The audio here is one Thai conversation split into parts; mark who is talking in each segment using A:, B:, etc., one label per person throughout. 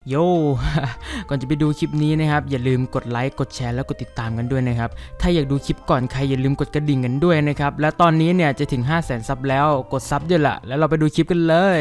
A: โย่ ก่อนจะไปดูคลิปนี้นะครับอย่าลืมกดไลค์กดแชร์แล้วกดติดตามกันด้วยนะครับถ้าอยากดูคลิปก่อนใครอย่าลืมกดกระดิ่งกันด้วยนะครับและตอนนี้เนี่ยจะถึง 500,000 ซับแล้วกดซับด้วยล่ะแล้วเราไปดูคลิปกันเลย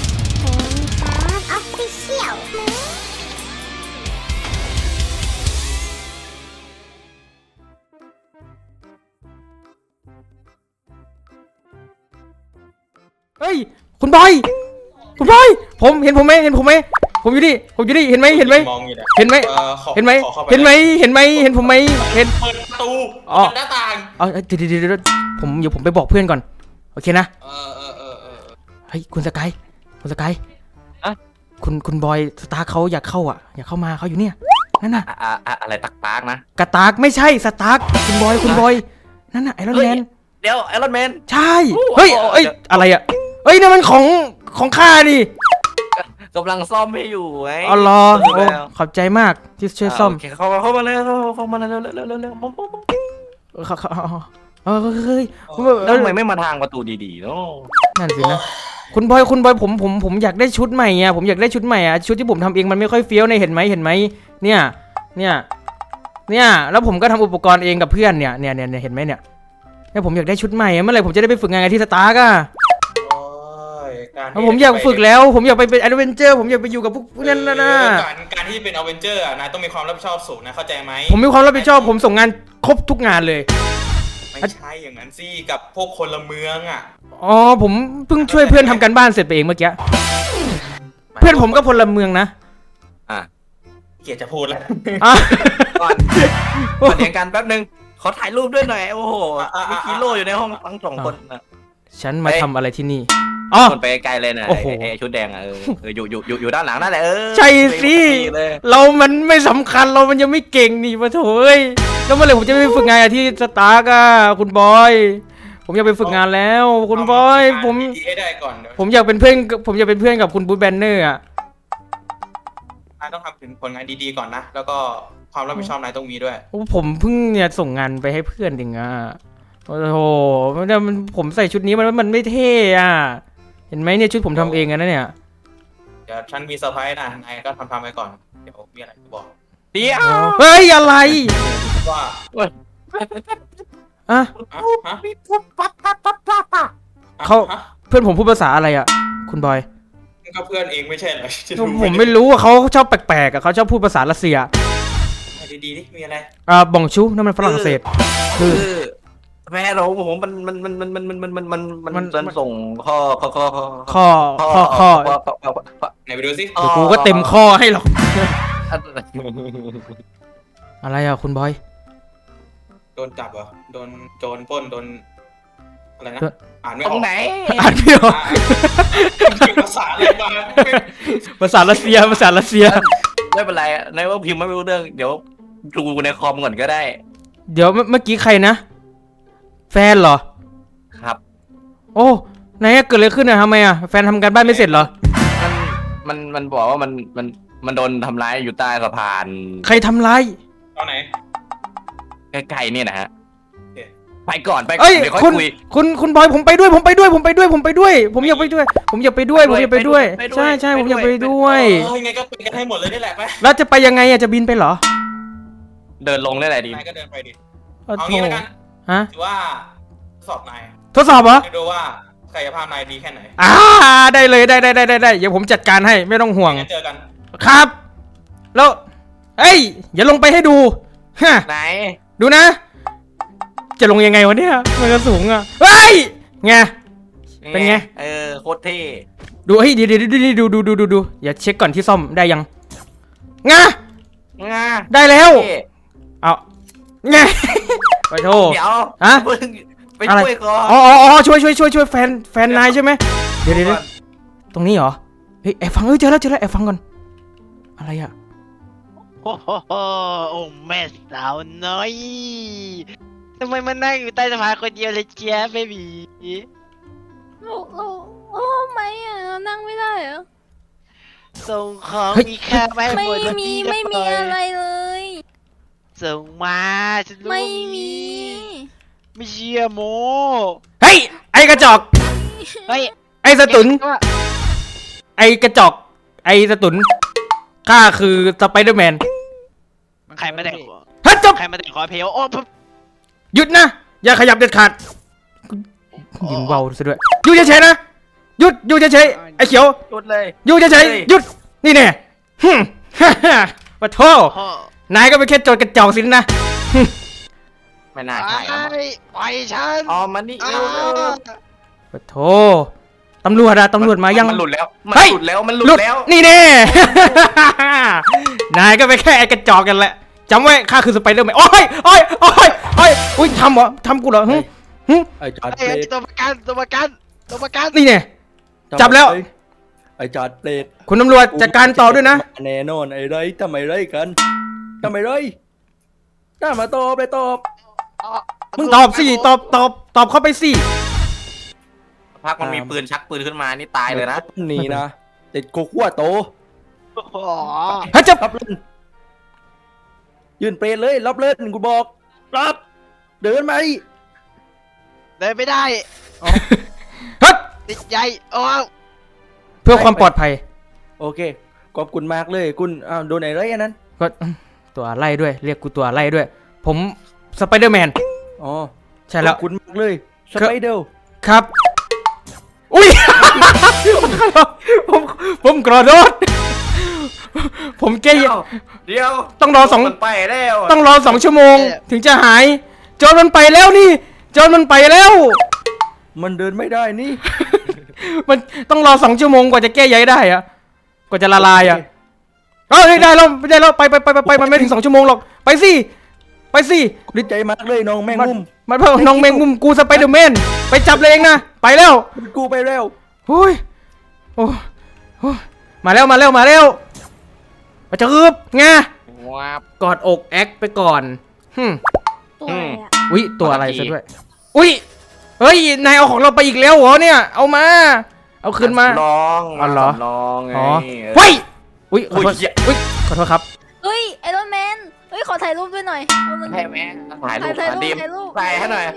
A: เฮ้ยคุณบอยผมเห็นผมไหมผมอยู่นี่เห็นไหม
B: มองอยู่เนี่ย
A: เห็นไหมเห็นไหมเห็นผมไหมเห็น
B: เปิดประตูเปิดหน้าต่าง
A: เดี๋ยวเดี๋ยวผมไปบอกเพื่อนก่อนโอเคนะเฮ้ยคุณสกาย
C: อะ
A: คุณบอยสตาร์เขาอยากเข้ามาเขาอยู่เนี่ยนั่นน่ะ
C: อะไรตักปากนะ
A: กระตากไม่ใช่สตาร์คุณบอยนั่นน่ะไอรอนแมน
C: เดี๋ยวไอรอนแมน
A: ใช่เฮ้ยอะไรอ่ะเฮ้ยนั่นมันของข้าดิ
C: กำลังซ่อมให้อยู่ไง
A: อ๋อรอขอบใจมากที่ช่วยซ่อม
C: เข้ามาเลยเร็ว
A: เฮ้ย
C: แล้วทำไมไม่มาทางประตูดีๆเนาะ
A: นั่นสินะคุณบอยผมอยากได้ชุดใหม่อ่ะผมอยากได้ชุดใหม่อ่ะชุดที่ผมทำเองมันไม่ค่อยเฟี้ยวในเห็นไหมเนี่ยแล้วผมก็ทำอุปกรณ์เองกับเพื่อนเนี่ยเห็นไหมเนี่ยผมอยากได้ชุดใหม่เมื่อไหร่ผมจะได้ไปฝึกงานที่สตาร์กอ่ะผมอยากฝึกแล้วผมอยากไปเป็นแอดเวนเจอร์ผมอยากไปอยู่กับพวกนั้นนะ
B: การที่เป็นแอดเวนเจอร์นายต้องมีความรับผิดชอบสูงนะเข้าใจไหม
A: ผมมีความรับผิดชอบผมส่งงานครบทุกงานเลย
B: ไม่ใช่อย่างนั้นสิกับพวกคนละเมืองอ่ะ
A: อ๋อผมเพิ่งช่วยเพื่อนทำการบ้านเสร็จไปเองเมื่อกี้เพื่อนผมก็พลเมืองนะ
B: เกียรติจะพูดแล้ว
C: ก่อนเดี๋ยวกันแป๊บนึงขอถ่ายรูปด้วยหน่อยโอ้โหมีกิโลอยู่ในห้องทั้งสองคนนะ
A: ฉันมาทำอะไรที่นี่อ๋อ
C: คนไปไกลเลยนะชุดแดงอ่ะอยู่ด้านหลังนั่นแหละ
A: ใช่สิเรามันไม่สำคัญเรามันยังไม่เก่งนี่มาโถยแล้วเมื่อไหร่ผมจะไปฝึกงานที่สตาร์กอ่ะคุณบอยผมอยากไปฝึกงานแล้วคุณบอยผมอยากเป็นเพื่อนกับคุณบูธแบนเนอร์อ่ะ
B: นายต้องทำถึงผลงานดีๆก่อนนะแล้วก็ความรับผิดชอบนายต้องมีด้วย
A: ผมเพิ่งเนี่ยส่งงานไปให้เพื่อนเองอ่ะโอ้โหผมใส่ชุดนี้มันไม่เท่อะเห็นไหมเนี่ยชุดผมทำเองนะเนี่ย
B: เดี๋ยวฉันมีเซอร์ไพรส์นะนายก็ทำไปก่อนเดี๋ยวมีอะไรจะบอก
C: เดี๋ยว
A: เฮ้ยอะไร
B: ว่า
A: เขาเพื่อนผมพูดภาษาอะไรอ่ะคุณบอย
B: ก็เพื่อนเองไม่ใช่เหรอ
A: ผมไม่รู้ว่าเขาชอบแปลกๆเขาชอบพูดภาษารัสเซีย
B: ดีๆนี่มีอะไร
A: บองชูนั่นมันฝรั่งเศส
C: คือแม่เราผมมันส่งข้อ
B: ไหนไปดูสิ
A: กูก็เต็มข้อให้หรอกอะไรอ่ะคุณบอย
B: โดนจับเหรอโดนโจรปล้นโดนอะไรนะอ่านไม่ออก
C: ตรงไหน
A: อ่านไม่ออก
B: ภาษาอะไรบ้าง
A: ภาษารัสเซีย
C: ไม่เป็นไรในว่าพิมพ์ไม่รู้เรื่องเดี๋ยวดูในคอมก่อนก็ได้
A: เดี๋ยวเมื่อกี้ใครนะแฟนเหรอ
C: ครับ
A: โอ้ไหนเกิดอะไรขึ้นอะทำไมอะแฟนทำการบ้านไม่เสร็จเหรอ
C: มันบอกว่ามันโดนทำร้ายอยู่ใต้สะพาน
A: ใครทำร้าย
B: ตอนไหน
C: ใกล้ๆนี่นะฮะไปก่อน
A: เดี๋ยวค่อยคุยคุณบอยผมไปด้วยผมอยากไปด้วยผมอยากไปด้วยใช่ผมอยากไปด้วย
B: ยังไงก็ไปกันให้หมดเลยนี่แหละไป
A: แล้วจะไปยังไงอะจะบินไปเหรอ
C: เดินลงได้ไหนดี
B: นายก็เดินไปดิเอางี้แล้วกันถือว่าทดสอบนาย
A: ทดสอบเหรอ
B: ดูว่าศักยภาพนายดีแค่ไหน
A: ได้เลยได้เดี๋ยวผมจัดการให้ไม่ต้องห่วง
B: เจอกัน
A: ครับแล้วอย่าลงไปให้ดู
C: ไหน
A: ดูนะจะลงยังไงวะเนี่ยมันก็สูงอ่ะไงเป็นไง
C: โคตรเท่
A: ดูเดี๋ยวดูอย่าเช็คก่อนที่ซ่อมได้ยังได้แล้วเอาไงไปโทษ
C: เดี๋ยวไปช่วยก่อน
A: ช่วยแฟนนายใช่ไหมเดี๋ยวตรงนี้เหรอแอบฟังเจอแล้วแอบฟังก่อนอะไรอ่ะ
D: โอ้แม่สาวน้อยทำไมมันนั่งอยู่ใต้สะพานคนเดียวเลยเจี๊ยบเบบี
E: โอ้ไม่อะนั่งไม่ได้เหรอ
D: ส่งของมีค่าไม่
E: มีอะไรเลย
D: ส่งมาฉันรู้
E: ไม่
D: เชื่อโม
A: ไอ้กระจอกไอ้สตุนไอ้กระจอกไอ้สตุนข้าคือสไปเดอร์แมน
D: ใครไม่ได้ขอ
A: ฮัทจบ
D: ใครไม่ได้ขอเพลโอ้ปุ๊บ
A: หยุดนะอย่าขยับเด็ดขาดยิงเบาซะด้วยอยู่เฉยๆนะหยุดอยู่เฉยๆไอ้เขียว
C: หยุดเลย
A: อยู่เฉยๆหยุดนี่แน่ฮึ่มฮ่าฮ่าปะโท
D: พ่อน
A: ายก็เป็นแค่โจรกระจอกสินะฮึ่ม
C: ไม่น่าใช่ครับ
D: ไปฉัน
C: อ๋อมันนี่เร็ว
A: ปะโทตำรวจอะตำรวจมายัง
C: มันหลุดแล้วมัน
A: เฮ้ย
C: หลุดแล้วมันหลุดแล้ว
A: นี่แน่ นายก็เป็นแค่ไอ้กระจอกกันแหละจำไว้ข้าคือสไปเดอร์แมนโอ้ยโอ้ยโอ้ยโอ้ยอุ้ยทำเหรอทำกูเหรอหึหึ
F: ไอ้จอด
D: ไอ้
F: เปรต
D: ตัวประกันตัวประกันตัวประกัน
A: นี่แน่จับแล้ว
F: ไอ้จอดเปรต
A: คุณตำรวจจัดการต่อด้วยนะ
F: แน่นอนไอ้ไรทำไมไรกันทำไมไรน่ามาตอบเลยตอบ
A: มึงตอบสิตอบเข้าไปสิ
C: พักมันมีปืนชักปืนขึ้นมานี่ตายเลยนะ
F: นี่นะติดโกขั้วโต
D: โอ้โห
A: เฮ้ยจับ
F: รับเล่นยืนเปรตเลยรับเล่นกูบอกรับเดินมาดิ
D: เดินไม่ได้
A: เฮ้ย
D: ติดใจโอ้
A: เพื่อความปลอดภัย
F: โอเคขอบคุณมากเลยคุณอ้าวโดนไอ้ไรอันนั้น
A: ก็ตัวไล่ด้วย เรียกกูตัวไล่ด้วย ผมสไปเดอร์แมน
F: อ๋อ
A: ใช่แล้ว
F: ขอบคุณมากเลยสไปเดอร์
A: ครับ อุ้ย ผมกระโดดผมแก้
C: เดี๋ยว
A: ต้องรอสอง
C: มันไปแล้ว
A: ต้องรอ2 ชั่วโมง ถึงจะหายโจรมันไปแล้วนี่โจรมันไปแล้ว
F: มันเดินไม่ได้นี่
A: มันต้องรอ2 ชั่วโมงกว่าจะแก้ใยได้อะกว่าจะละลายอะเอ้ยได้แล้วไปมันไม่ถึง2 ชั่วโมงหรอกไปสิ
F: ดีใจมากเลยน้องแมงมุม
A: มันเพิ่งน้องแมงมุมกูสไปเดอร์แมนไปจับเลยเองนะไปแล้ว
F: กูไปแล้ว
A: โอ้ยโอ้ยมาแล้วมาจะอึบไง
C: ว้าบ
A: กอดอกแอคไปก่อนฮึม
E: ตัวอะไรอ่ะ
A: อุ๊ยตัวอะไร
C: ขอโทษที
A: ซะด้วยอุ๊ยเฮ้ยนายเอาของเราไปอีกแล้วเหรอเนี่ยเอามาเอาคืนมา
C: น้อง
A: อ๋อเหรอ
C: น้องไง
A: อ๋อเฮ้ยอุ๊ยขอโทษ
C: อุ๊ยเหี้ย
A: อุ๊ยขอโทษครับ
E: เฮ้ยไอรอนแมนเฮ้ยขอถ่ายรูปด้วยหน่อยเอามึง
C: แพ้แม่ถ่ายรูป
E: ถ่ายรูป
C: ดิม
E: ถ่ายรูป
C: ใส่ให้หน่อย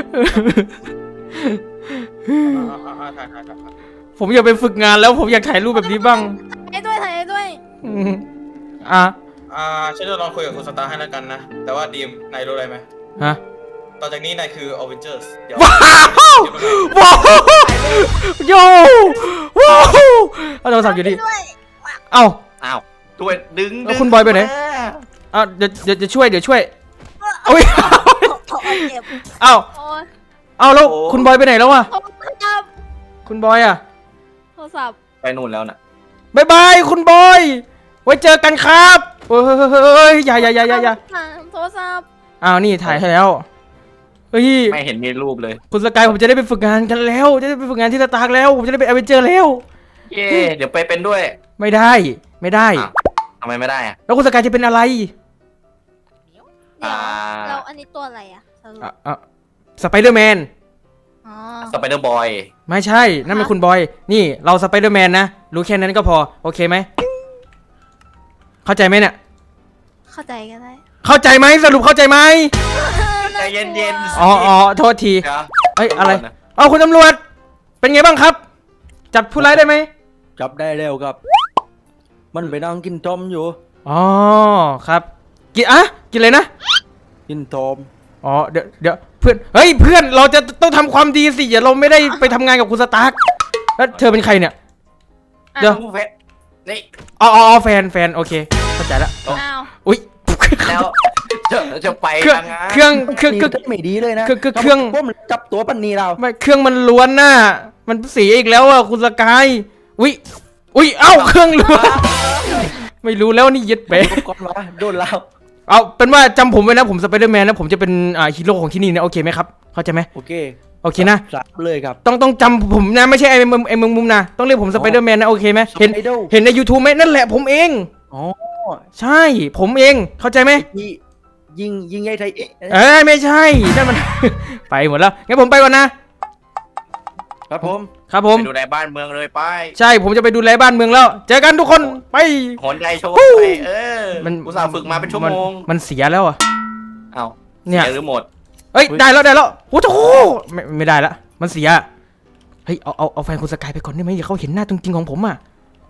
A: ผมอยากไปฝึกงานแล้วผมอยากถ่ายรูปแบบนี้บ้าง
E: ถ่ายให้ด้วย
A: อืมอ่ะ
B: ฉันจะลองคุยกับคุณสตาร์ให้แล้วกันนะ แต่ว่าดีมนายรู้อะไรไหม
A: ฮะ
B: ต่อจากนี้นายคืออเวนเจอร์สเดี๋ยว
A: ว้าวว้าวโยว้าวเอาโทรศัพท์อยู่ดิ
E: ด้วย
A: เอ้า
C: อ้าวด้วยดึง
A: แล้วคุณบอยไปไหน เอาเดี๋ยวช่วยโอ้ย
E: ขอเจ็บ
A: เอ้า
E: โอ้ย
A: เอาแล้วคุณบอยไปไหนแล้วอะ
E: โทรศัพท์
A: คุณบอยอะ
E: โทรศัพท์
C: ไปนู่นแล้วน่ะ
A: บายบายคุณบอยไว้เจอกันครับเฮ้ยอย่า
E: โทรศัพท์
A: อ้าวนี่ถ่ายให้แล้วเฮ้ย
C: ไม่เห็นมีรูปเลย
A: คุณสกายผมจะได้ไปฝึกงานกันแล้ว จะได้ไปฝึกงานที่สตาร์กแล้วผมจะได้ไปอเวนเจอร์แล้ว
C: เย่เดี๋ยวไปเป็นด้วย
A: ไม่ได้
C: อ้าวทำไมไม่ได้อะ
A: แล้วคุณสกายจะเป็นอะไร
E: เดี๋ยว
C: อ่า
E: เราอันนี้ตัวอะไรอ่ะสรุป
A: สไปเดอร์แมน
E: อ๋อ
C: สไปเดอร์บอย
A: ไม่ใช่นั่นเป็นคุณบอยนี่เราสไปเดอร์แมนนะรู้แค่นั้นก็พอโอเคไหมเข้าใจไหมเนี่ย
E: เข้าใจก็ได้
A: เข้าใจไหมสรุปเข้าใจไหม
C: ใจเย็นๆ
A: อ๋อโทษที
C: เดี๋ยว
A: เอ้ยอะไร
C: ตำวจน
A: เอาคุณตำรวจ เป็นไงบ้างครับ จับผู้ร้ายได้ไหม
F: จับได้แล้วครับ มันไปนั่งกินทอมอยู่
A: อ๋อครับกินเลยนะ
F: กินทอม
A: อ๋อเดี๋ยวเพื่อนเฮ้ยเพื่อนเราจะต้องทำความดีสิอย่าเราไม่ได้ไปทำงานกับคุณสตาร์กแล้วเธอเป็นใครเนี่ย เดี๋ยว
C: ผู้เพชรนี่
A: อ๋อแฟนโอเคเข้าใจแล้ว
E: อ้าว
A: อุ๊ย
C: แล้วจะไป
A: เครื่อง
C: ยังไง
A: เครื่อง
F: ไม่ดีเลยนะ
A: เครื่อง
F: พวกมันจับตัวปันนีเรา
A: ไม่เครื่องมันล้วนน่ะมันเสียอีกแล้วอ่ะคุณสกายอุ๊ยเอ้าเครื่องล้วนไม่รู้แล้วนี่ยึดไป
F: ก่อนวะโดนเรา
A: เอาเป็นว่าจำผมไว้นะผมสไปเดอร์แมนนะผมจะเป็นฮีโร่ของที่นี่นะโอเคไหมครับเข้าใจไหม
F: โอเค
A: โอเคนะ
F: สับเลยครับ
A: ต้องจำผมนะไม่ใช่ไอ้มึงมุมนะต้องเรียกผมสไปเดอร์แมนนะโอเคไหมเห็น
F: Spider
A: เห็นใน YouTube ไหมนั่นแหละผมเอง
F: อ๋อ
A: ใช่ผมเองเข้าใจไหม
F: ยิงไอ้ไทย
A: ไม่ใช่นั่นมัน ไปหมดแล้วงั้นผมไปก่อนนะ
F: ครับผม
A: ครับผม
C: ไปดูในบ้านเมืองเลยไป
A: ใช่ผมจะไปดูแลบ้านเมืองแล้ว เจอกันทุกคนไป
C: หอนใจโชว์
A: ฮู้
C: ไป
A: มัน
C: อุตส่าห์ฝึกมาเป็นชั่วโมง
A: มันเสียแล้วอ่ะ
C: เอ้า
A: เนี่ย
C: สีหรือหมด
A: เอ้ยได้แล้วโอ้โหไม่ได้ละมันเสียเฮ้ยเอาแฟนคุณสกายไปก่อนได้ไหมอย่าเขาเห็นหน้าจริงๆของผมอ่ะ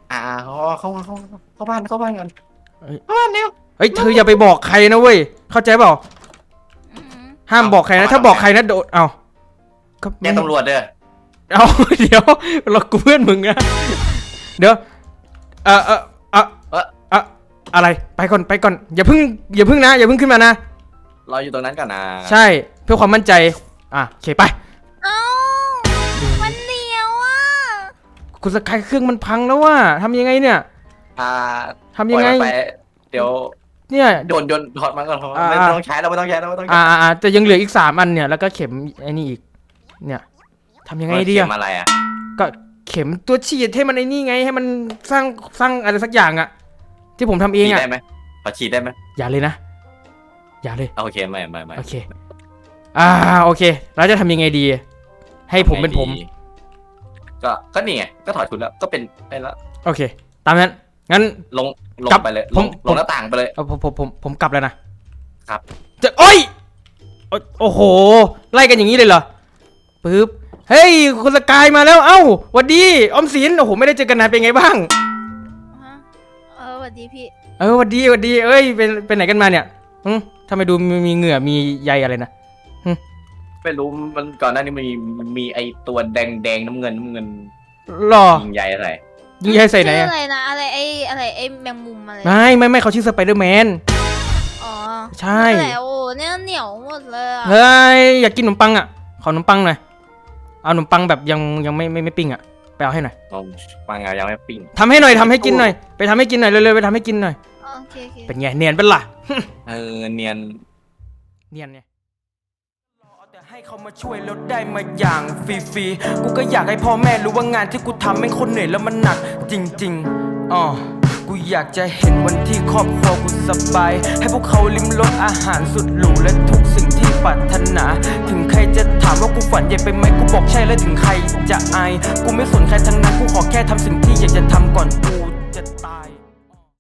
C: เข้าบ้านก่อน
A: เฮ้ยเธออย่าไปบอกใครนะเว้ยเข้าใจเปล่า
E: อืม
A: ห้ามบอกใครนะถ้าบอกใครนะโดนเอาก็
C: แจ้งตำรวจเด้อ
A: เอา เดี๋ยวเรากูเพื่อนมึงนะเดี๋ยวอะไรไปก่อนอย่าเพิ่งนะอย่าเพิ่งขึ้นมานะ
C: รออยู่ตรงนั้นก่อนนะ
A: ใช่เพื่อความมั่นใจโอเคไป
E: เอ้ามันเหนียวอ่ะ
A: คุณสกายเครื่องมันพังแล้วว่าทำยังไงเนี่ย ทำยังไง
C: ปล่อมันไปเดี๋ยว
A: เนี่ย
C: โยนถอดมันก่อนไม่ต้องใช้แล้วไม่ต้องใช้แล้ว
A: แต่ยังเหลืออีก3 อันเนี่ยแล้วก็เข็มไอ้นี่อีกเนี่ยทำยังไงดี
C: เข็
A: อะ
C: มอะไรอ่ะ
A: ก็เข็มตัวฉีดให้มันไอ้นี่ไงให้มันสร้างอะไรสักอย่างอะที่ผมทำเอง
C: ฉีด
A: อะ
C: ได้ไหมขอฉีดได้ไหม
A: อย่าเลยนะอย่าเลย
C: โอเคไม่
A: โอเคโอเคแล้วจะทำยังไงดี ให้ผมเป็นผม
C: ก็นี่ไงก็ถอดชุดแล้วก็เป็นได้แล้ว
A: โอเค ตามนั้นงั้น
C: ลง
A: กลับ
C: ไปเลย
A: ผม
C: ลงหน้าต่างไปเลย
A: ผมกลับแล้วนะครับ จะโอ้ยโอ้โหไล่กันอย่างนี้เลยเหรอปึ๊บเฮ้ยคุณสกายมาแล้วเอ้าหวัดดีออมสินโอ้โหไม่ได้เจอกันนานเป็นไงบ้าง
E: ฮะสวัสดีพี่
A: หวัดดีเอ้ยเป็นไหนกันมาเนี่ยทำไมดูมีเหงื่อมีใยอะไรนะ
C: ไม่รู้มันก่อนหน้านี้มีไอตัวแดงน้ำเงิน
A: หรอ
C: ยิงใหญ่อะไร
A: ยิงใยใส่ไหน
E: ชื่อ
A: อะ
E: อะไรนะอะไรไอ้แมงมุมอะไร
A: ไม่เขาชื่อสไปเดอร์แมน
E: อ๋อ
A: ใช่
E: แต่โอ้เนี่ยเหนียวหมดเลยอะ
A: เฮ้ยอยากกินขนมปังอ่ะขอขนมปังหน่อยเอาขนมปังแบบยังไม่ปิ้งอ่ะไปเอาให้หน่อย
C: ปังยังไม่ปิ้ง
A: ทำให้หน่อยทำให้กินหน่อยไปทำให้กินหน่อยเร็วๆไปทำให้กินหน่อย
E: โอเค
A: เป็นไงเนียนเป็นล่ะ
C: เนียน
A: เนียนเนี่ยแต่ให้เขามาช่วยแล้วได้มาอย่างฟรีๆกูก็อยากให้พ่อแม่รู้ว่างานที่กูทำแม่งคนเหนื่อยแล้วมันหนักจริงๆกูอยากจะเห็นวันที่ครอบครัวกูสบายให้พวกเขาลิ้มรสอาหารสุดหรูและทุกสิ่งที่ปรารถนา ถึงใครจะถามว่ากูฝันใหญ่ไปไหมกูบอกใช่และถึงใครจะอายกูไม่สนใครทั้งนั้นกูขอแค่ทำสิ่งที่อยากจะทำก่อนกู